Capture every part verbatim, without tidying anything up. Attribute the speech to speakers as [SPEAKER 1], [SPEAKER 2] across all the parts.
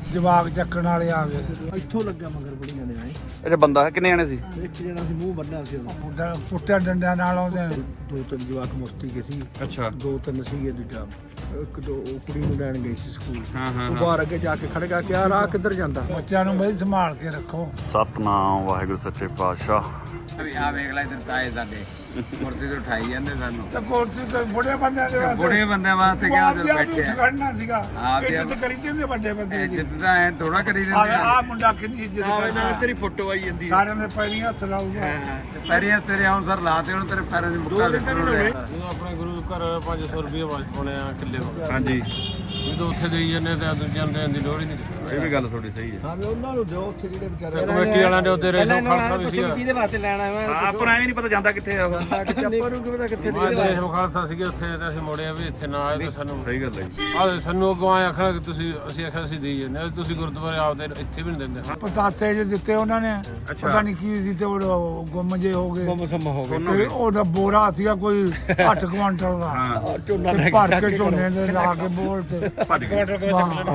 [SPEAKER 1] ਜਵਾਕ ਚੱਕਣ ਵਾਲੇ ਆ ਗਏ।
[SPEAKER 2] ਇੱਥੋਂ ਲੱਗਿਆ ਮਗਰ ਬੜੀਆਂ ਨੇ ਆਏ।
[SPEAKER 3] ਅੱਛਾ ਬੰਦਾ ਹੈ ਕਿੰਨੇ ਜਾਣੇ ਸੀ?
[SPEAKER 2] ਇੱਕ ਜਣਾ ਸੀ ਮੂੰਹ ਬੰਨਿਆ ਸੀ ਉਹਦਾ।
[SPEAKER 1] ਮੁੰਡਾ ਪੁੱਟਿਆ ਡੰਡਿਆਂ ਨਾਲ ਆਉਂਦੇ ਨੇ।
[SPEAKER 2] ਦੋ ਤਿੰਨ ਜਵਾਕ ਮੁਸਤੀ ਕੇ ਸੀ।
[SPEAKER 3] ਅੱਛਾ
[SPEAKER 2] ਦੋ ਤਿੰਨ ਸੀਗੇ ਦੂਜਾ ਇੱਕ ਦੋ ਉਹ ਕੁੜੀ ਨੂੰ ਲੈਣ ਗਈ ਸੀ ਸਕੂਲ।
[SPEAKER 3] ਹਾਂ ਹਾਂ
[SPEAKER 2] ਉਹ ਬਾਹਰ ਅੱਗੇ ਜਾ ਕੇ ਖੜ ਗਿਆ ਕਿ ਆ ਰਾਹ ਕਿੱਧਰ ਜਾਂਦਾ।
[SPEAKER 1] ਬੱਚਿਆਂ ਨੂੰ ਬਈ ਸੰਭਾਲ ਕੇ ਰੱਖੋ।
[SPEAKER 3] ਸਤਨਾਮ ਵਾਹਿਗੁਰੂ ਸੱਚੇ ਪਾਤਸ਼ਾਹ।
[SPEAKER 4] ਆ ਵੇਖ ਲੈ ਇੱਧਰ ਤਾਏ ਸਾਡੇ ਕੁਰਸੀ ਤੇ ਉਠਾਈ ਜਾਂਦੇ ਸਾਨੂੰ।
[SPEAKER 1] ਤੇ ਕੋਰਸੀ ਤੇ ਬੁੜੇ ਬੰਦਿਆਂ ਦੇ ਵਾਸਤੇ
[SPEAKER 4] ਬੁੜੇ ਬੰਦਿਆਂ ਵਾਸਤੇ ਕਿਹਾ ਉਧਰ ਬੈਠੇ ਆ।
[SPEAKER 1] ਖੜਨਾ ਸੀਗਾ।
[SPEAKER 4] ਹਾਂ, ਤੇ
[SPEAKER 1] ਇੱਜ਼ਤ ਕਰੀ ਦਿੰਦੇ ਵੱਡੇ ਬੰਦੇ ਦੀ।
[SPEAKER 4] ਇੱਜ਼ਤ ਤਾਂ ਐ ਥੋੜਾ ਕਰੀ ਦਿੰਦੇ ਆ।
[SPEAKER 1] ਆ ਮੁੰਡਾ ਕਿੰਨੀ ਇੱਜ਼ਤ ਕਰਦਾ।
[SPEAKER 3] ਤੇਰੀ ਫੋਟੋ ਆਈ ਜਾਂਦੀ
[SPEAKER 1] ਸਾਰਿਆਂ ਦੇ ਪੈਰੀਂ ਹੱਥ ਲਾਊਗਾ।
[SPEAKER 4] ਤੇ ਪੈਰੀਆਂ ਤੇਰੇ ਆਉਣ ਸਰ ਲਾਤੇ ਉਹਨੂੰ ਤੇਰੇ ਪੈਰਾਂ 'ਚ ਮੁੱਕਾ ਦੇ
[SPEAKER 5] ਜਦੋਂ ਆਪਣੇ ਗੁਰੂ ਘਰ ਪੰਜ ਸੌ ਰੁਪਏ ਪਾਉਣੇ ਆ ਕਿੱਲੇ ਤੋਂ।
[SPEAKER 3] ਹਾਂਜੀ
[SPEAKER 5] ਜਦੋਂ ਉੱਥੇ ਦੇਈ ਜਾਂਦੇ ਤੇ ਦੂਜਿਆਂ ਨੂੰ ਦੇਣ ਦੀ ਲੋੜ ਹੀ ਨਹੀਂ।
[SPEAKER 3] ਇਹ ਵੀ ਗੱਲ ਤੁਹਾਡੀ ਸਹੀ ਹੈ।
[SPEAKER 2] ਹਾਂ ਵੀ ਉਹਨਾਂ ਨੂੰ ਦਿਓ ਉੱਥੇ ਜਿਹੜੇ ਵਿਚਾਰੇ
[SPEAKER 5] ਕਮੇਟੀ ਵਾਲਿਆਂ ਦੇ ਉੱਤੇ ਰੇਸ਼ਮ ਖਾਲਸਾ ਵੀ ਸੀਗਾ।
[SPEAKER 4] ਕਿਹਦੇ ਵਾਸਤੇ ਲੈਣਾ ਹੈ
[SPEAKER 3] ਹਾਂ ਆਪਾਂ ਨੂੰ ਐਵੇਂ ਨਹੀਂ ਪਤਾ ਜਾਂਦਾ ਕਿੱਥੇ ਆ ਉਹ।
[SPEAKER 2] ਚੱਪਰ ਨੂੰ ਕਿਵੇਂ ਕਿੱਥੇ
[SPEAKER 5] ਮੈਂ ਤੇ ਰੇਸ਼ਮ ਖਾਲਸਾ ਸੀਗੇ ਉੱਥੇ ਤੇ ਅਸੀਂ ਮੋੜਿਆ ਵੀ ਇੱਥੇ ਨਾ ਆਏ ਤੇ ਸਾਨੂੰ
[SPEAKER 3] ਸਹੀ ਗੱਲ ਹੈ ਜੀ।
[SPEAKER 5] ਆਹ ਸਾਨੂੰ ਅੱਗੋਂ ਆਏ ਆਖਣਾ ਕਿ ਤੁਸੀਂ ਅਸੀਂ ਆਖਿਆ ਅਸੀਂ ਦੇਈ ਜਾਂਦੇ ਹਾਂ, ਤੁਸੀਂ ਗੁਰਦੁਆਰੇ ਆਪਦੇ ਇੱਥੇ ਵੀ ਨਹੀਂ ਦਿੰਦੇ।
[SPEAKER 1] ਪਤਾਸੇ ਜੇ ਦਿੱਤੇ ਉਹਨਾਂ ਨੇ ਪਤਾ ਨਹੀਂ ਕੀ ਸੀ ਤੇ ਉਹ ਗੁੰਮ ਜੇ ਹੋ ਗਏ।
[SPEAKER 2] ਗੁੰਮ ਹੋ ਗਏ।
[SPEAKER 1] ਤੇ ਉਹਦਾ ਬੋਰਾ ਸੀਗਾ ਕੋਈ ਅੱਠ ਕੁਆਂਟਲ ਦਾ।
[SPEAKER 3] ਹਾਂ
[SPEAKER 2] ਝੋਨਾ
[SPEAKER 1] ਤੇ ਭਰ ਕੇ ਝੋਨੇ ਦੇ ਲਾ ਕੇ ਬੋਲ ਤੇ
[SPEAKER 3] ਭੱਜ ਗਏ।
[SPEAKER 1] ਹਾਂ।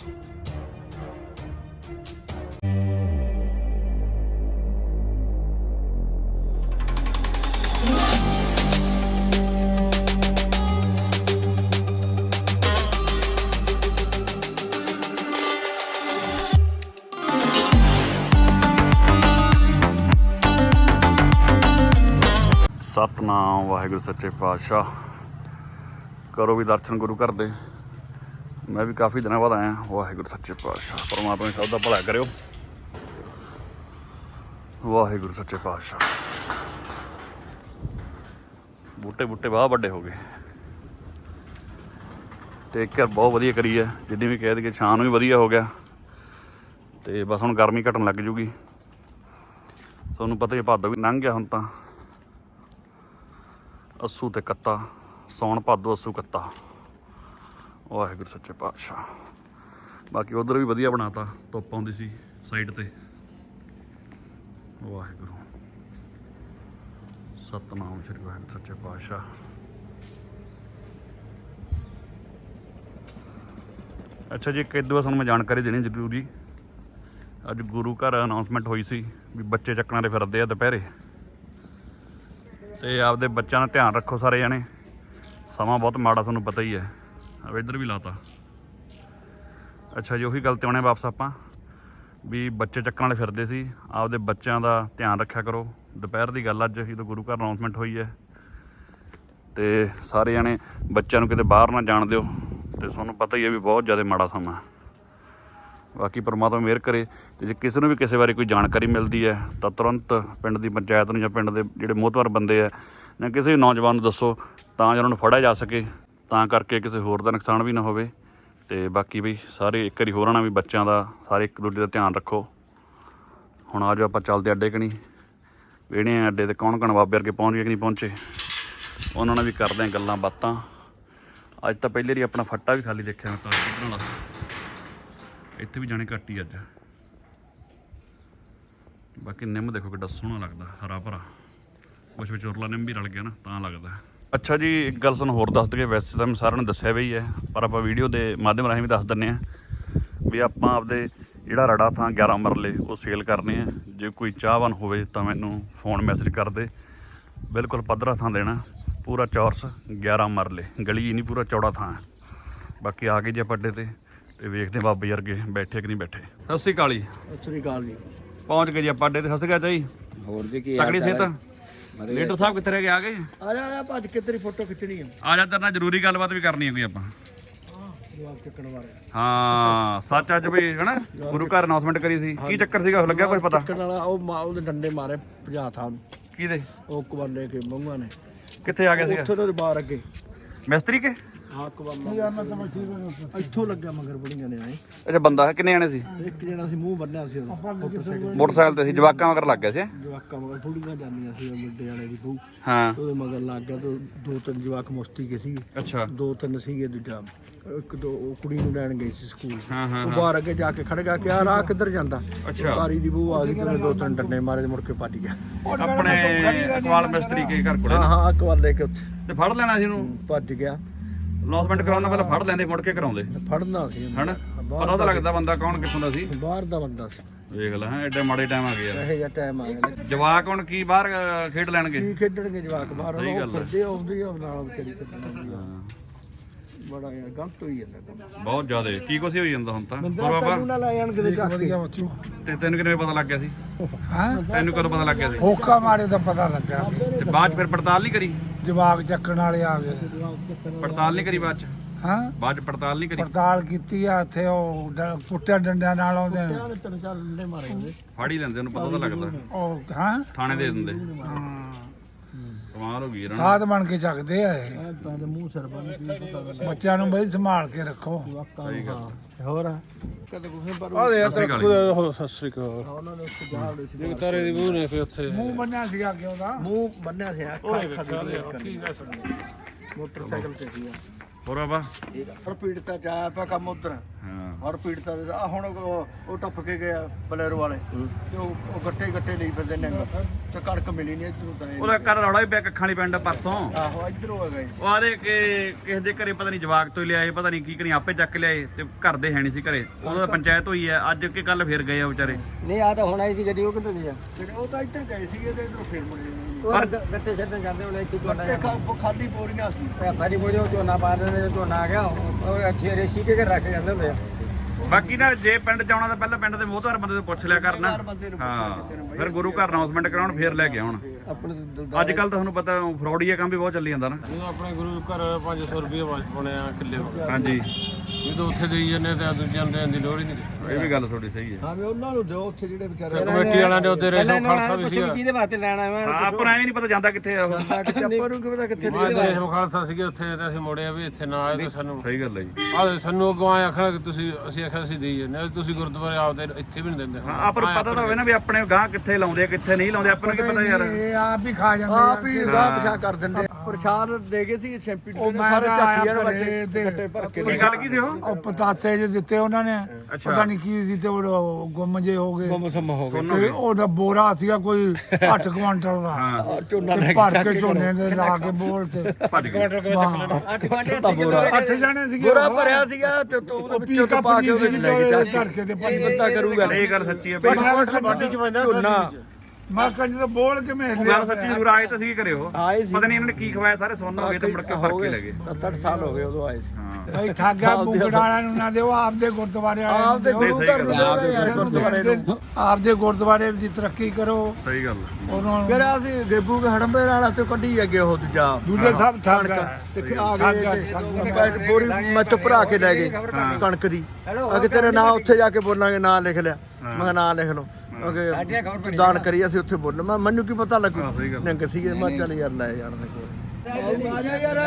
[SPEAKER 3] ਸਤਨਾਮ ਵਾਹਿਗੁਰੂ ਸੱਚੇ ਪਾਤਸ਼ਾਹ। ਕਰੋ ਵੀ ਦਰਸ਼ਨ ਗੁਰੂ ਘਰ ਦੇ। ਮੈਂ ਵੀ ਕਾਫੀ ਦਿਨਾਂ ਬਾਅਦ ਆਇਆ। ਵਾਹਿਗੁਰੂ ਸੱਚੇ ਪਾਤਸ਼ਾਹ ਪਰਮਾਤਮਾ ਨੇ ਸਭ ਦਾ ਭਲਾ ਕਰਿਓ। ਵਾਹਿਗੁਰੂ ਸੱਚੇ ਪਾਤਸ਼ਾਹ। ਬੂਟੇ ਬੂਟੇ ਬਹੁਤ ਵੱਡੇ ਹੋ ਗਏ ਤੇ ਘਰ ਬਹੁਤ ਵਧੀਆ ਕਰੀ ਹੈ। ਜਿੰਨੀ ਵੀ ਕਹਿ ਦਈਏ ਛਾਂ ਨੂੰ ਵੀ ਵਧੀਆ ਹੋ ਗਿਆ ਤੇ ਬਸ ਹੁਣ ਗਰਮੀ ਘਟਣ ਲੱਗ ਜੂਗੀ। ਤੁਹਾਨੂੰ ਪਤਾ ਹੀ ਭਾਦੋ ਵੀ ਲੰਘ ਗਿਆ ਹੁਣ ਤਾਂ। ਅੱਸੂ ਤੇ ਕੱਤਾ ਸੌਣ ਭਾਦੋ ਅੱਸੂ ਕੱਤਾ। ਵਾਹਿਗੁਰੂ ਸੱਚੇ ਪਾਤਸ਼ਾਹ। ਬਾਕੀ ਉਧਰ ਵੀ ਵਧੀਆ ਬਣਾਤਾ। ਧੁੱਪ ਆਉਂਦੀ ਸੀ ਸਾਈਡ ਤੇ। ਵਾਹਿਗੁਰੂ ਸਤਨਾਮ ਸ਼੍ਰੀ ਵਾਹਿਗੁਰੂ ਸੱਚੇ ਪਾਤਸ਼ਾਹ। ਅੱਛਾ ਜੀ ਇੱਕ ਇਦੋਂ ਤੁਹਾਨੂੰ ਮੈਂ ਜਾਣਕਾਰੀ ਦੇਣੀ ਜ਼ਰੂਰੀ। ਅੱਜ ਗੁਰੂ ਘਰ ਅਨਾਉਂਸਮੈਂਟ ਹੋਈ ਸੀ ਵੀ ਬੱਚੇ ਚੱਕਣਾ ਦੇ ਫਿਰਦੇ ਆ ਦੁਪਹਿਰੇ ਤੇ ਆਪਦੇ ਬੱਚਿਆਂ ਦਾ ਧਿਆਨ ਰੱਖੋ ਸਾਰੇ ਜਣੇ। ਸਮਾਂ ਬਹੁਤ ਮਾੜਾ ਤੁਹਾਨੂੰ ਪਤਾ ਹੀ ਹੈ। ਇੱਧਰ ਵੀ ਲਾਤਾ। ਅੱਛਾ ਜੀ ਉਹੀ ਗੱਲ ਤੇ ਆਉਣੇ ਵਾਪਸ ਆਪਾਂ ਵੀ ਬੱਚੇ ਚੱਕਣ ਵਾਲੇ ਫਿਰਦੇ ਸੀ। ਆਪਦੇ ਬੱਚਿਆਂ ਦਾ ਧਿਆਨ ਰੱਖਿਆ ਕਰੋ। ਦੁਪਹਿਰ ਦੀ ਗੱਲ ਅੱਜ ਜਦੋਂ ਗੁਰੂ ਘਰ ਅਨਾਉਂਸਮੈਂਟ ਹੋਈ ਹੈ ਤੇ ਸਾਰੇ ਜਣੇ ਬੱਚਿਆਂ ਨੂੰ ਕਿਤੇ ਬਾਹਰ ਨਾ ਜਾਣ ਦਿਓ। ਤੇ ਤੁਹਾਨੂੰ ਪਤਾ ਹੀ ਹੈ ਵੀ ਬਹੁਤ ਜ਼ਿਆਦਾ ਮਾੜਾ ਸਮਾਂ। ਬਾਕੀ ਪਰਮਾਤਮਾ ਮਿਹਰ ਕਰੇ ਤੇ ਜੇ ਕਿਸੇ ਨੂੰ ਵੀ ਕਿਸੇ ਬਾਰੇ ਕੋਈ ਜਾਣਕਾਰੀ ਮਿਲਦੀ ਹੈ ਤਾਂ ਤੁਰੰਤ ਪਿੰਡ ਦੀ ਪੰਚਾਇਤ ਨੂੰ ਜਾਂ ਪਿੰਡ ਦੇ ਜਿਹੜੇ ਮੋਹਤਵਰ ਬੰਦੇ ਆ ਜਾਂ ਕਿਸੇ ਵੀ ਨੌਜਵਾਨ ਨੂੰ ਦੱਸੋ ਤਾਂ ਜੋ ਉਹਨਾਂ ਨੂੰ ਫੜਿਆ ਜਾ ਸਕੇ, ਤਾਂ ਕਰਕੇ ਕਿਸੇ ਹੋਰ ਦਾ ਨੁਕਸਾਨ ਵੀ ਨਾ ਹੋਵੇ। ਤੇ ਬਾਕੀ ਵੀ ਸਾਰੇ ਇੱਕ ਵਾਰੀ ਹੋਰਾਂ ਨਾਲ ਵੀ ਬੱਚਿਆਂ ਦਾ ਸਾਰੇ ਇੱਕ ਦੂਜੇ ਦਾ ਧਿਆਨ ਰੱਖੋ। ਹੁਣ ਆ ਜਾਓ ਆਪਾਂ ਚੱਲਦੇ ਅੱਡੇ ਕਣੀ ਵੇਹਣੇ ਅੱਡੇ ਤੇ ਕੌਣ ਕਣ ਬਾਬੇ ਵਰਗੇ ਪਹੁੰਚ ਗਏ ਕਿ ਨਹੀਂ ਪਹੁੰਚੇ। ਉਹਨਾਂ ਨਾਲ ਵੀ ਕਰਦੇ ਹਾਂ ਗੱਲਾਂ ਬਾਤਾਂ। ਅੱਜ ਤਾਂ ਪਹਿਲੇ ਹੀ ਆਪਣਾ ਫੱਟਾ ਵੀ ਖਾਲੀ ਦੇਖਿਆ ਮੈਂ ਤਾਂ ਕੱਢਣ ਵਾਲਾ। ਇੱਥੇ ਵੀ ਜਾਣੇ ਘੱਟ ਹੀ ਅੱਜ। ਬਾਕੀ ਨਿੰਮ ਦੇਖੋ ਕਿੱਡਾ ਸੋਹਣਾ ਲੱਗਦਾ ਹਰਾ ਭਰਾ। ਕੁਛ ਵਿੱਚ ਉਰਲਾ ਨਿੰਮ ਵੀ ਰਲ ਗਿਆ ਨਾ ਤਾਂ ਲੱਗਦਾ। ਅੱਛਾ ਜੀ ਇੱਕ ਗੱਲ ਤੁਹਾਨੂੰ ਹੋਰ ਦੱਸ ਦਈਏ। ਵੈਸੇ ਤਾਂ ਮੈਂ ਸਾਰਿਆਂ ਨੂੰ ਦੱਸਿਆ ਵੀ ਹੈ ਪਰ ਆਪਾਂ ਵੀਡੀਓ ਦੇ ਮਾਧਿਅਮ ਰਾਹੀਂ ਵੀ ਦੱਸ ਦਿੰਦੇ ਹਾਂ ਵੀ ਆਪਾਂ ਆਪਦੇ ਜਿਹੜਾ ਰੜਾ ਥਾਂ ਗਿਆਰਾਂ ਮਰਲੇ ਉਹ ਸੇਲ ਕਰਨੇ ਆ। ਜੇ ਕੋਈ ਚਾਹਵਾਨ ਹੋਵੇ ਤਾਂ ਮੈਨੂੰ ਫੋਨ ਮੈਸੇਜ ਕਰ ਦੇ। ਬਿਲਕੁਲ ਪੱਧਰਾ ਥਾਂ ਦੇਣਾ ਪੂਰਾ ਚੌਰਸ ਗਿਆਰਾਂ ਮਰਲੇ ਗਲੀ ਨਹੀਂ ਪੂਰਾ ਚੌੜਾ ਥਾਂ ਹੈ। ਬਾਕੀ ਆ ਕੇ ਜੇ ਆਪਾਂ ਅੱਡੇ ਤੇ ਤੇ ਵੇਖਦੇ ਬਾਬੇ ਵਰਗੇ ਬੈਠੇ ਕਿ ਨਹੀਂ ਬੈਠੇ। ਸਤਿ ਸ਼੍ਰੀ ਅਕਾਲ ਜੀ।
[SPEAKER 2] ਸਤਿ ਸ੍ਰੀ ਅਕਾਲ ਜੀ।
[SPEAKER 3] ਪਹੁੰਚ ਗਏ ਜੀ ਆਪਾਂ ਅੱਡੇ ਤੇ। ਸਤਿ ਸ਼੍ਰੀ ਅਕਾਲ ਜੀ।
[SPEAKER 4] ਹੋਰ ਜੀ ਕੀ
[SPEAKER 3] ਤਕੜੀ ਸਿਹਤ। ਲੀਡਰ ਸਾਹਿਬ ਕਿੱਥੇ ਰਹਿ ਗਏ? ਆ ਗਏ।
[SPEAKER 2] ਆ ਜਾ ਆ ਜਾ ਭੱਜ ਕੇ ਤੇਰੀ ਫੋਟੋ ਖਿੱਚਣੀ ਆ।
[SPEAKER 3] ਆ ਜਾ ਤੇਰੇ ਨਾਲ ਜ਼ਰੂਰੀ ਗੱਲਬਾਤ ਵੀ ਕਰਨੀ ਹੈ ਕੋਈ ਆਪਾਂ।
[SPEAKER 2] ਜਵਾਬ ਚੱਕਣ ਬਾਰੇ।
[SPEAKER 3] ਹਾਂ ਸੱਚ ਅੱਜ ਵੀ ਹਨਾ ਗੁਰੂ ਘਰ ਅਨਾਉਂਸਮੈਂਟ ਕਰੀ ਸੀ। ਕੀ ਚੱਕਰ ਸੀਗਾ ਲੱਗਿਆ ਕੁਝ ਪਤਾ?
[SPEAKER 2] ਚੱਕਣ ਵਾਲਾ ਉਹ ਮਾਂ ਉਹਦੇ ਡੰਡੇ ਮਾਰੇ ਭਜਾ ਥਾ ਉਹਨੂੰ।
[SPEAKER 3] ਕਿਹਦੇ?
[SPEAKER 2] ਉਹ ਕਵਾਲੇ ਕੇ ਮੰਗੂਆਂ ਨੇ।
[SPEAKER 3] ਕਿੱਥੇ ਆ ਗਿਆ ਸੀਗਾ?
[SPEAKER 2] ਉੱਥੇ ਤੋਂ ਬਾਹਰ ਅੱਗੇ
[SPEAKER 3] ਮਿਸਤਰੀ ਕੇ?
[SPEAKER 2] ਹਾਂ ਕਵਾਲਾ ਇੱਥੋਂ ਲੱਗਿਆ ਮਗਰ ਬੜੀਆਂ ਨੇ ਆਏ।
[SPEAKER 3] ਅੱਛਾ ਬੰਦਾ ਹੈ ਕਿੰਨੇ ਜਾਣੇ ਸੀ?
[SPEAKER 2] ਇੱਕ ਜਣਾ ਸੀ ਮੂੰਹ ਬੰਨਿਆ ਸੀ ਉਹਦਾ।
[SPEAKER 3] ਮੋਟਰਸਾਈਕਲ ਤੇ ਸੀ ਜਵਾਕਾਂ ਮਗਰ ਲੱਗ ਗਿਆ ਸੀ।
[SPEAKER 2] ਜਵਾਕਾਂ ਮਗਰ ਫੁੜੀਆਂ ਜਾਂਦੀਆਂ ਸੀ ਉਹ ਮੁੰਡੇ ਵਾਲੇ ਦੀ ਬਹੂ।
[SPEAKER 3] ਹਾਂ
[SPEAKER 2] ਉਹਦੇ ਮਗਰ ਲੱਗ ਗਿਆ ਤੇ ਦੋ ਤਿੰਨ ਜਵਾਕ ਮੁਸਤੀ ਕੇ ਸੀ।
[SPEAKER 3] ਅੱਛਾ
[SPEAKER 2] ਦੋ ਤਿੰਨ ਸੀਗੇ ਦੂਜਾ ਇੱਕ ਦੋ ਉਹ ਕੁੜੀ ਨੂੰ ਲੈਣ ਗਈ ਸੀ ਸਕੂਲ।
[SPEAKER 3] ਹਾਂ ਹਾਂ
[SPEAKER 2] ਉਹ ਬਾਹਰ ਅੱਗੇ ਜਾ ਕੇ ਖੜ ਗਿਆ ਕਿ ਆ ਰਾਹ ਕਿੱਧਰ ਜਾਂਦਾ।
[SPEAKER 3] ਅੱਛਾ
[SPEAKER 2] ਕਾਰੀ ਦੀ ਬਹੂ ਆ ਗਈ ਤੇ ਦੋ ਤਿੰਨ ਡੰਡੇ ਮਾਰੇ ਤੇ ਮੁੜ ਕੇ ਭੱਜ ਗਿਆ।
[SPEAKER 3] ਆਪਣੇ ਅਕਵਾਲ ਮਿਸਤਰੀ ਕੇ ਘਰ ਕੋਲੇ
[SPEAKER 2] ਹਾਂ ਹਾਂ ਕਵਾਲੇ ਕੇ ਉੱਥੇ
[SPEAKER 3] ਤੇ ਫੜ ਲੈਣਾ ਸੀ ਉਹਨੂੰ।
[SPEAKER 2] ਭੱਜ ਗਿਆ।
[SPEAKER 3] ਅਨਾਉਂਸਮੈਂਟ ਕਰਾਉਣ ਨਾਲ ਪਹਿਲਾਂ ਫੜ ਲੈਂਦੇ ਮੁੜ ਕੇ ਕਰਾਉਂਦੇ
[SPEAKER 2] ਫੜਨਾ ਸੀ
[SPEAKER 3] ਹਨਾ। ਪਤਾ ਤਾਂ ਲੱਗਦਾ ਬੰਦਾ ਕੌਣ ਕਿੱਥੋਂ ਦਾ ਸੀ।
[SPEAKER 2] ਬਾਹਰ ਦਾ ਬੰਦਾ ਸੀ।
[SPEAKER 3] ਵੇਖ ਲੈ ਹੈ ਐਡੇ ਮਾੜੇ ਟਾਈਮ ਆ ਗਏ ਯਾਰ।
[SPEAKER 2] ਇਹੋ ਜਿਹਾ ਟਾਈਮ ਆ ਗਿਆ।
[SPEAKER 3] ਜਵਾਕ ਹੁਣ ਕੀ ਬਾਹਰ ਅਹ, ਖੇਡ ਲੈਣਗੇ।
[SPEAKER 2] ਕੀ ਖੇਡਣਗੇ ਜਵਾਕ ਬਾਹਰ?
[SPEAKER 3] ਸਹੀ
[SPEAKER 2] ਉਹ
[SPEAKER 3] ਗੱਲ ਹੈ।
[SPEAKER 2] ਫਿਰਦੇ ਆਉਂਦੇ ਆ ਨਾਲ ਵਿਚਾਰੀ ਖੇਡਣ। ਬੜਾ ਯਾਰ ਗਲਤ ਹੋਈ ਜਾਂਦਾ ਕੰਮ।
[SPEAKER 3] ਬਹੁਤ ਜ਼ਿਆਦਾ ਕੀ ਕੁਛ ਹੀ ਹੋਈ ਜਾਂਦਾ ਹੁਣ ਤਾਂ। ਹੋਰ
[SPEAKER 2] ਬੰਦਾ
[SPEAKER 3] ਬਾਬਾ
[SPEAKER 2] ਤੈਨੂੰ ਨਾ ਲੈ ਜਾਣ ਕਿਤੇ ਚੱਕ ਕੇ।
[SPEAKER 1] ਵਧੀਆ ਬੱਚੂ
[SPEAKER 3] ਤੇ ਤੈਨੂੰ ਕਿਵੇਂ ਪਤਾ ਲੱਗ ਗਿਆ ਸੀ?
[SPEAKER 1] ਹਾਂ
[SPEAKER 3] ਤੈਨੂੰ ਕਦੋਂ ਪਤਾ ਲੱਗ ਗਿਆ ਸੀ?
[SPEAKER 1] ਹੋਕਾ ਮਾਰੇ ਤਾਂ ਪਤਾ ਲੱਗਾ
[SPEAKER 3] ਤੇ ਬਾਅਦ ਚ ਫਿਰ ਪੜਤਾਲ ਨਹੀਂ ਕਰੀ?
[SPEAKER 1] ਜਵਾਕ ਚੱਕਣ ਵਾਲੇ ਆ ਗਏ।
[SPEAKER 3] ਪੜਤਾਲ ਨਹੀਂ ਕਰੀ ਬਾਅਦ ਚ?
[SPEAKER 1] ਹਾਂ
[SPEAKER 3] ਬਾਅਦ ਚ ਪੜਤਾਲ ਨਹੀਂ ਕਰੀ?
[SPEAKER 1] ਪੜਤਾਲ ਕੀਤੀ ਆ ਇੱਥੇ ਉਹ ਡ- ਪੁੱਟਿਆ ਡੰਡਿਆਂ ਨਾਲ ਆਉਂਦੇ ਨੇ।
[SPEAKER 2] ਤਿੰਨ ਚਾਰ ਡੰਡੇ ਮਾਰੇ ਹੁੰਦੇ।
[SPEAKER 3] ਫੜ ਹੀ ਲੈਂਦੇ ਉਹਨੂੰ ਪਤਾ ਤਾਂ ਲੱਗਦਾ।
[SPEAKER 1] ਉਹ ਹਾਂ
[SPEAKER 3] ਥਾਣੇ ਦੇ ਦਿੰਦੇ।
[SPEAKER 1] ਹਾਂ,
[SPEAKER 3] ਕਮਾਲ ਹੋ ਗਈ ਯਾਰ।
[SPEAKER 1] ਸਾਧ ਬਣ ਕੇ ਚੱਕਦੇ ਆ ਇਹ।
[SPEAKER 2] ਐ ਤਾਂ ਮੂੰਹ ਸਿਰ ਬੰਨ ਕੀ ਪਤਾ
[SPEAKER 1] ਬੱਚਿਆਂ ਨੂੰ ਬਈ ਸੰਭਾਲ ਕੇ ਰੱਖੋ।
[SPEAKER 3] ਸਹੀ ਗੱਲ।
[SPEAKER 2] ਹੋਰ ਕਦੇ ਕੁਸੇ ਪਰ
[SPEAKER 5] ਆ ਦੇ ਯਾਰ
[SPEAKER 3] ਸਤਿ ਸ਼੍ਰੀ
[SPEAKER 5] ਤੇਰਾ ਖੁਦ ਸਤਿ ਸ੍ਰੀ ਅਕਾਲ।
[SPEAKER 2] ਉਹਨਾਂ ਨੇ ਉੱਥੇ ਜਾ ਵੜੇ ਸੀ।
[SPEAKER 5] ਦੇਖ ਤਾਰੇ ਦੀ ਮੂੰਹ ਨੇ ਫੇ ਉੱਥੇ
[SPEAKER 1] ਮੂੰਹ ਬੰਨਿਆ ਸੀਗਾ ਕਿਉਂ ਦਾ
[SPEAKER 2] ਮੂੰਹ ਬੰਨਿਆ ਸੀ ਅੱਖਾਂ ਅੱਖਾਂ ਦੇ
[SPEAKER 5] ਕੀ ਕਹਿ ਸਕਦੇ।
[SPEAKER 2] ਮੋਟਰਸਾਈਕਲ ਤੇ ਸੀ।
[SPEAKER 3] ਹੋਰ ਬਾਬਾ।
[SPEAKER 2] ਹਰ ਪੀੜਤਾ ਜਾਇਆ ਪਿਆ ਕੰਮ ਉਧਰ।
[SPEAKER 3] ਹਾਂ
[SPEAKER 2] ਹਰ ਪੀੜਤਾ ਦੇ ਆ ਹੁਣ ਉਹ ਉਹ ਟੱਪ ਕੇ ਗਿਆ ਬਲੇਰੋ ਵਾਲੇ ਤੇ ਉਹ ਉਹ ਗੱਟੇ ਗੱਟੇ ਲਈ ਫਿਰਦੇ ਨੇ ਤੇ ਕਣਕ ਮਿਲੀ ਨਹੀਂ ਇੱਧਰੋਂ ਤਾਂ ਇਹ।
[SPEAKER 3] ਉਹਦਾ ਕਰ ਰੌਲਾ ਵੀ ਪਿਆ ਕੱਖਾਂ ਵਾਲੀ ਪਿੰਡ ਪਰਸੋਂ।
[SPEAKER 2] ਆਹੋ ਇੱਧਰੋਂ ਆ ਗਏ।
[SPEAKER 3] ਉਹ ਆਦੇ ਕਿ ਕਿਸੇ ਦੇ ਘਰੇ ਪਤਾ ਨਹੀਂ ਜਵਾਕ ਤੋਂ ਹੀ ਲਿਆਏ, ਪਤਾ ਨਹੀਂ ਕੀ ਕਰੀ ਆਪੇ ਚੱਕ ਲਿਆਏ ਤੇ ਘਰ ਦੇ ਹੈ ਨਹੀਂ ਸੀ ਘਰੇ। ਉਦੋਂ ਤਾਂ ਪੰਚਾਇਤ ਹੋਈ ਹੈ ਅੱਜ ਕਿ ਕੱਲ ਫੇਰ ਗਏ ਆ ਵਿਚਾਰੇ।
[SPEAKER 6] ਨਹੀਂ ਆ ਤਾਂ ਹੁਣ ਆਈ ਸੀ ਗੱਡੀ, ਉਹ ਕਿੱਧਰ ਗਈ ਆ?
[SPEAKER 2] ਫਿਰ ਉਹ ਤਾਂ ਇੱਧਰ ਗਏ ਸੀਗੇ ਤੇ ਇੱਧਰੋਂ ਫੇਰ ਮੁੜੇ
[SPEAKER 6] ਉਹ ਗੱਟੇ ਛੱਡਣ ਜਾਂਦੇ ਹੁਣ ਇੱਥੇ ਝੋਨਾ
[SPEAKER 2] ਗੱਟੇ ਖਾ- ਖਾਲੀ ਬੋਰੀਆਂ ਸੀ।
[SPEAKER 6] ਖਾਲੀ ਬੋਝੋ ਝੋਨਾ ਪਾ ਦਿੰਦੇ ਨੇ, ਝੋਨਾ ਆ ਗਿਆ ਉਹ ਅੱਛੀ ਰੇਸ਼ੀ ਕੇ ਰੱਖ ਜਾਂਦੇ ਹੁੰਦੇ ਆ।
[SPEAKER 3] ਬਾਕੀ ਨਾ ਜੇ ਪਿੰਡ ਚ ਆਉਣਾ ਤਾਂ ਪਹਿਲਾਂ ਪਿੰਡ ਦੇ ਮੋਹਤਵਾਰ ਬੰਦੇ ਤੋਂ ਪੁੱਛ ਲਿਆ ਕਰਨਾ। ਹਾਂ ਫਿਰ ਗੁਰੂ ਘਰ ਅਨਾਉਂਸਮੈਂਟ ਕਰਾਉਣ ਫੇਰ ਲੈ ਕੇ ਆਉਣ।
[SPEAKER 2] ਆਪਣੇ
[SPEAKER 3] ਅੱਜ ਕੱਲ ਤਾਂ ਤੁਹਾਨੂੰ ਪਤਾ ਫਰੋਡੀਆ ਕੰਮ ਵੀ ਬਹੁਤ ਚੱਲੀ ਜਾਂਦਾ ਨਾ।
[SPEAKER 5] ਜਦੋਂ ਆਪਣੇ ਗੁਰੂ ਘਰ ਪੰਜ ਸੌ ਰੁਪਏ ਵਾਜ ਬਣਿਆ ਕਿੱਲੇ ਦਾ।
[SPEAKER 3] ਹਾਂਜੀ
[SPEAKER 5] ਜਦੋਂ ਉੱਥੇ ਦੇਈ ਜਾਂਦੇ ਤੇ ਦੂਜਿਆਂ ਨੂੰ ਦੇਣ ਦੀ ਲੋੜ ਹੀ ਨਹੀਂ।
[SPEAKER 3] ਇਹ ਵੀ ਗੱਲ ਤੁਹਾਡੀ ਸਹੀ ਹੈ।
[SPEAKER 2] ਹਾਂ ਵੀ ਉਹਨਾਂ ਨੂੰ ਦਿਓ ਉੱਥੇ ਜਿਹੜੇ ਵਿਚਾਰੇ
[SPEAKER 5] ਕਮੇਟੀ ਵਾਲਿਆਂ ਦੇ ਉੱਤੇ ਰੇਸ਼ਮ ਖਾਲਸਾ ਵੀ
[SPEAKER 6] ਪੁੱਛ
[SPEAKER 5] ਸੀਗਾ।
[SPEAKER 6] ਵੀ ਕਿਹਦੇ ਵਾਸਤੇ ਲੈਣਾ ਮੈਂ
[SPEAKER 3] ਹਾਂ ਆਪਾਂ ਨੂੰ ਐਵੇਂ ਨਹੀਂ ਪਤਾ ਜਾਂਦਾ ਕਿੱਥੇ ਆ ਉਹ।
[SPEAKER 2] ਚੱਪਰ ਨੂੰ ਕਿਵੇਂ ਕਿੱਥੇ
[SPEAKER 5] ਮੈਂ ਤੇ ਰੇਸ਼ਮ ਖਾਲਸਾ ਸੀਗੇ ਉੱਥੇ ਤੇ ਅਸੀਂ ਮੁੜਿਆ ਵੀ ਇੱਥੇ ਨਾ ਆਏ ਤੇ ਸਾਨੂੰ
[SPEAKER 3] ਸਹੀ ਗੱਲ ਹੈ ਜੀ।
[SPEAKER 5] ਆ ਸਾਨੂੰ ਅੱਗੋਂ ਆਏ ਆਖਣਾ ਕਿ ਤੁਸੀਂ ਅਸੀਂ ਆਖਿਆ ਅਸੀਂ ਦੇਈ ਜਾਂਦੇ ਹਾਂ, ਤੁਸੀਂ ਗੁਰਦੁਆਰੇ ਆਪਦੇ ਇੱਥੇ ਵੀ ਨਹੀਂ ਦਿੰਦੇ।
[SPEAKER 3] ਹਾਂ ਆਪਾਂ ਨੂੰ ਪਤਾ ਤਾਂ ਹੋਵੇ ਨਾ ਵੀ ਆਪਣੇ ਗਾਂ ਕਿੱਥੇ ਲਾਉਂਦੇ ਆ ਕਿੱਥੇ ਨਹੀਂ ਲਾਉਂਦੇ। ਆਪਾਂ ਨੂੰ ਕੀ ਪਤਾ ਯਾਰ।
[SPEAKER 1] ਇਹ ਆਪ ਹੀ ਖਾ ਜਾਂਦੇ
[SPEAKER 2] ਆਪ
[SPEAKER 1] ਯਾਰ।
[SPEAKER 2] ਹੀ ਗਾਹ ਪਿਛਾ ਕਰ ਦਿੰਦੇ। ਪ੍ਰਸ਼ਾਦ ਦੇ ਗਏ ਸੀ ਸ਼ੈਂਪੀ
[SPEAKER 1] ਉਹ
[SPEAKER 2] ਦੇ
[SPEAKER 1] ਮੈਂ
[SPEAKER 2] ਸਾਰੇ
[SPEAKER 1] ਤਾਂ
[SPEAKER 2] ਚੱਕੀ
[SPEAKER 1] ਆਇਆ
[SPEAKER 2] ਜਾਣ
[SPEAKER 1] ਘਰੇ ਤੇ
[SPEAKER 2] ਗੱਟੇ ਭਰ ਕੇ
[SPEAKER 3] ਕੀ ਗੱਲ ਕੀ ਸੀ ਉਹ?
[SPEAKER 1] ਉਹ ਪਤਾਸੇ ਜੇ ਦਿੱਤੇ ਉਹਨਾਂ ਨੇ ਪਤਾ ਨਹੀਂ ਕੀ ਸੀ ਤੇ ਉਹ ਗੁੰਮ ਜੇ ਹੋ ਗਏ
[SPEAKER 2] ਗੁੰਮ ਹੋ ਗਏ।
[SPEAKER 1] ਤੇ ਉਹਦਾ ਬੋਰਾ ਸੀਗਾ ਕੋਈ ਅੱਠ ਕੁਆਂਟਲ ਦਾ
[SPEAKER 3] ਹਾਂ
[SPEAKER 2] ਝੋਨਾ
[SPEAKER 1] ਤੇ ਭਰ ਕੇ ਝੋਨੇ ਦੇ ਲਾ ਕੇ ਬੋਲ ਤੇ
[SPEAKER 3] ਭੱਜ ਗਏ।
[SPEAKER 1] ਵਾਹ।
[SPEAKER 6] ਅੱਠ ਵਾਂਟੇ
[SPEAKER 1] ਅੱਠ ਜਾਣੇ ਸੀਗੇ
[SPEAKER 2] ਗੋਰਾ
[SPEAKER 1] ਉਹ।
[SPEAKER 2] ਭਰਿਆ ਸੀਗਾ ਤੇ ਤੂੰ ਉਹਦੇ
[SPEAKER 1] ਉਹ
[SPEAKER 2] ਵਿੱਚੋਂ
[SPEAKER 1] ਪੀਕਾ
[SPEAKER 2] ਪਾ ਕੇ ਉਹਦੇ
[SPEAKER 1] ਪੀ
[SPEAKER 2] ਵਿੱਚ ਲੈ ਕੇ ਜਾ
[SPEAKER 1] ਧਰ ਕੇ ਤੇ ਪੰਜ
[SPEAKER 2] ਬੰਦਾ ਕਰੂਗਾ।
[SPEAKER 3] ਇਹ ਗੱਲ ਸੱਚੀ ਹੈ।
[SPEAKER 5] ਬਾਡੀ ਚ ਪੈਂਦਾ
[SPEAKER 2] ਝੋਨਾ
[SPEAKER 1] ਮੈਂ ਕੰਜ ਤਾਂ ਬੋਲ ਕੇ ਮੈਂ
[SPEAKER 3] ਉਹ ਗੱਲ ਸੱਚੀ ਜ਼ਰੂਰ ਆਏ ਤਾਂ ਸੀ ਘਰੇ ਉਹ।
[SPEAKER 2] ਆਏ ਸੀ
[SPEAKER 3] ਪਤਾ ਨਹੀਂ ਇਹਨਾਂ ਨੇ ਕੀ ਖਵਾਇਆ ਸਾਰੇ ਸੁੰਨ ਹੋ ਗਏ ਤੇ ਮੁੜ ਕੇ ਫੜ ਕੇ ਲੈ ਗਏ।
[SPEAKER 2] ਸੱਤ ਅੱਠ ਸਾਲ ਹੋ ਗਏ ਉਦੋਂ ਆਏ ਸੀ।
[SPEAKER 3] ਹਾਂ
[SPEAKER 1] ਭਾਈ ਠਾਗਾ ਬੁੰਗੜ ਵਾਲਿਆਂ ਨੂੰ ਨਾ ਦਿਓ ਆਪਦੇ ਗੁਰਦੁਆਰੇ ਵਾਲਿਆਂ ਨੂੰ
[SPEAKER 2] ਆਪਦੇ
[SPEAKER 1] ਦਿਓ।
[SPEAKER 2] ਗੁਰੂ ਘਰ ਨੂੰ
[SPEAKER 3] ਗੱਲ
[SPEAKER 2] ਦਿਓ ਯਾਰ ਗੁਰਦੁਆਰੇ ਨੂੰ।
[SPEAKER 1] ਆਪਦੇ ਗੁਰਦੁਆਰੇ ਦੀ ਤਰੱਕੀ ਕਰੋ
[SPEAKER 3] ਸਹੀ ਗੱਲ ਹੈ।
[SPEAKER 1] ਉਹਨਾਂ
[SPEAKER 2] ਫਿਰ
[SPEAKER 1] ਨੂੰ
[SPEAKER 2] ਅਸੀਂ ਗੇਬੂ ਕੇ ਹੜੰਬੇ ਨਾਲ ਤੇ ਕੱਢੀ ਅੱਗੇ ਉਹ ਦੂਜਾ
[SPEAKER 1] ਦੂਜੇ ਸਭ ਠੱਗ
[SPEAKER 2] ਤੇ ਫਿਰ ਆ
[SPEAKER 1] ਠੱਗ
[SPEAKER 2] ਗਏ
[SPEAKER 1] ਠੱਗ
[SPEAKER 2] ਤੇ ਬੋਰੀ ਮੈਂ ਭਰਾ ਕੇ ਲੈ ਗਏ ਕਣਕ ਦੀ। ਅਗੇ ਤੇਰੇ ਨਾਂ ਉੱਥੇ ਜਾ ਕੇ ਬੋਲਾਂਗੇ, ਨਾਂ ਲਿਖ ਲਿਆ। ਮੈਂ ਕਿਹਾ ਨਾਂ ਲਿਖ ਲਓ। ਅਗੇ ਦਾਨ ਕਰੀ ਅਸੀਂ ਉੱਥੇ ਬੋਲ ਮੈਂ ਮੈਨੂੰ ਕੀ ਪਤਾ ਲੱਗੂ ਨਿੰਗ ਸੀਗੇ। ਮੈਂ ਚੱਲ ਯਾਰ ਲੈ ਜਾਣ ਦੇ ਕੋਲ ਆ ਜਾ ਯਾਰ।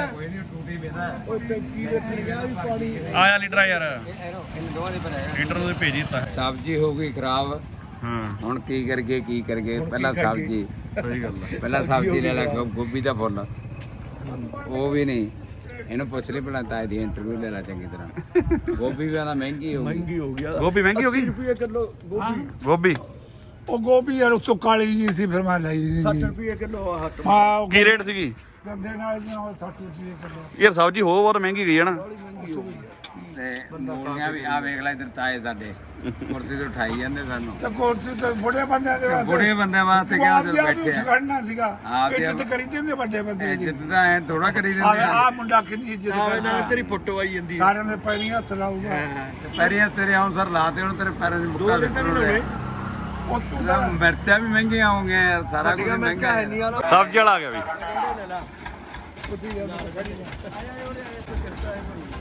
[SPEAKER 2] ਓਏ ਟੈਂਕੀ ਦੇ ਪੀ ਗਿਆ ਵੀ ਪਾਣੀ।
[SPEAKER 3] ਆਇਆ ਲੀਡਰ ਆ ਯਾਰ।
[SPEAKER 6] ਇਹਨਾਂ ਦੋਵਾਂ ਦੇ ਪਰ ਆਇਆ।
[SPEAKER 3] ਲੀਡਰ ਨੂੰ ਭੇਜ ਦਿੱਤਾ।
[SPEAKER 4] ਸਬਜ਼ੀ ਹੋ ਗਈ ਖਰਾਬ।
[SPEAKER 3] ਹਾਂ
[SPEAKER 4] ਹੁਣ ਕੀ ਕਰਗੇ ਕੀ ਕਰਗੇ? ਪਹਿਲਾਂ ਸਬਜ਼ੀ
[SPEAKER 3] ਸਹੀ ਗੱਲ ਹੈ।
[SPEAKER 4] ਪਹਿਲਾਂ ਸਬਜ਼ੀ ਲੈ ਲੈ ਗੋ- ਗੋਭੀ ਦਾ ਫੁੱਲ ਉਹ ਵੀ ਨਹੀਂ। ਇਹਨੂੰ ਪੁੱਛ ਲਈ ਪਹਿਲਾਂ ਤਾਏ ਦੀ ਇੰਟਰਵਿਊ ਲੈ ਲੈ ਚੰਗੀ ਤਰ੍ਹਾਂ। ਗੋਭੀ ਵੀ ਆਂਦਾ ਮਹਿੰਗੀ ਹੋ ਗਈ।
[SPEAKER 2] ਮਹਿੰਗੀ ਹੋ ਗਿਆ।
[SPEAKER 3] ਗੋਭੀ ਮਹਿੰਗੀ ਹੋ ਗਈ।
[SPEAKER 2] ਰੁਪਏ ਕਿਲੋ ਗੋਭੀ।
[SPEAKER 3] ਗੋਭੀ
[SPEAKER 1] ਉਹ ਗੋਭੀ ਯਾਰ ਉਸ ਤੋਂ ਕਾਲੀ ਜੀ ਸੀ ਫਿਰ ਮੈਂ ਲਈ ਨਹੀਂ
[SPEAKER 2] ਸੱਠ
[SPEAKER 1] ਜੀ
[SPEAKER 2] ਰੁਪਏ ਕਿਲੋ ਹੱਥ।
[SPEAKER 1] ਹਾਂ ਉਹ
[SPEAKER 3] ਕੀ ਰੇਟ ਸੀਗੀ?
[SPEAKER 1] ਗੰਦੇ ਨਾਲ ਜੀ ਉਹ ਸੱਠ ਰੁਪਏ ਕਿਲੋ।
[SPEAKER 3] ਯਾਰ ਸਬਜ਼ੀ ਹੋ ਬਹੁਤ ਮਹਿੰਗੀ ਗਈ ਹੈ ਨਾ।
[SPEAKER 4] ਤੇ ਮੂਲੀਆਂ ਵੀ ਆ ਵੇਖ ਲੈ ਇੱਧਰ ਤਾਏ ਸਾਡੇ ਕੁਰਸੀ ਤੋਂ ਉਠਾਈ ਜਾਂਦੇ ਸਾਨੂੰ।
[SPEAKER 1] ਤੇ ਕੁਰਸੀ ਤੇ ਬੁੜੇ ਬੰਦਿਆਂ ਦੇ ਵਾਸਤੇ
[SPEAKER 4] ਬੁੜੇ ਬੰਦਿਆਂ ਵਾਸਤੇ
[SPEAKER 1] ਤੂੰ
[SPEAKER 4] ਕਿਹਾ
[SPEAKER 1] ਆਪ
[SPEAKER 4] ਜਦੋਂ
[SPEAKER 1] ਵੀ ਉੱਠ
[SPEAKER 4] ਬੈਠੇ ਆ।
[SPEAKER 1] ਖੜਨਾ ਸੀਗਾ
[SPEAKER 4] ਆਪ ਹੀ
[SPEAKER 1] ਇੱਜ਼ਤ ਕਰੀ ਦਿੰਦੇ ਵੱਡੇ ਬੰਦੇ ਦੀ।
[SPEAKER 4] ਇੱਜ਼ਤ ਤਾਂ ਐ ਥੋੜਾ ਕਰੀ ਦਿੰਦੇ
[SPEAKER 1] ਆ
[SPEAKER 4] ਆ।
[SPEAKER 1] ਆ ਮੁੰਡਾ ਕਿੰਨੀ ਇੱਜ਼ਤ ਕਰਦਾ
[SPEAKER 2] ਤੇਰੀ ਫੋਟੋ ਆਈ ਜਾਂਦੀ।
[SPEAKER 1] ਸਾਰਿਆਂ ਦੇ ਪੈਰੀਂ ਹੱਥ ਲਾਊਗਾ
[SPEAKER 4] ਪੈਰੀਆਂ ਤੇਰੇ ਆਉਂ ਸਰ ਲਾਤੇ ਹੁਣ ਤੇਰੇ ਪੈਰਾਂ 'ਚ ਮੁੱਕਾ ਦੇ।
[SPEAKER 1] ਉਹ ਤੂੰ ਤਾਂ
[SPEAKER 4] ਮਿਰਚਾਂ ਵੀ ਮਹਿੰਗੀਆਂ ਹੋਣਗੀਆਂ, ਸਾਰਾ ਕੁਝ ਮਹਿੰਗਾ ਹੈ।
[SPEAKER 2] ਨਹੀਂ ਵਾਲਾ
[SPEAKER 3] ਸਬਜ਼ੀ ਵਾਲਾ ਆ ਗਿਆ ਵੀ।
[SPEAKER 2] ਲੈ ਲਾ।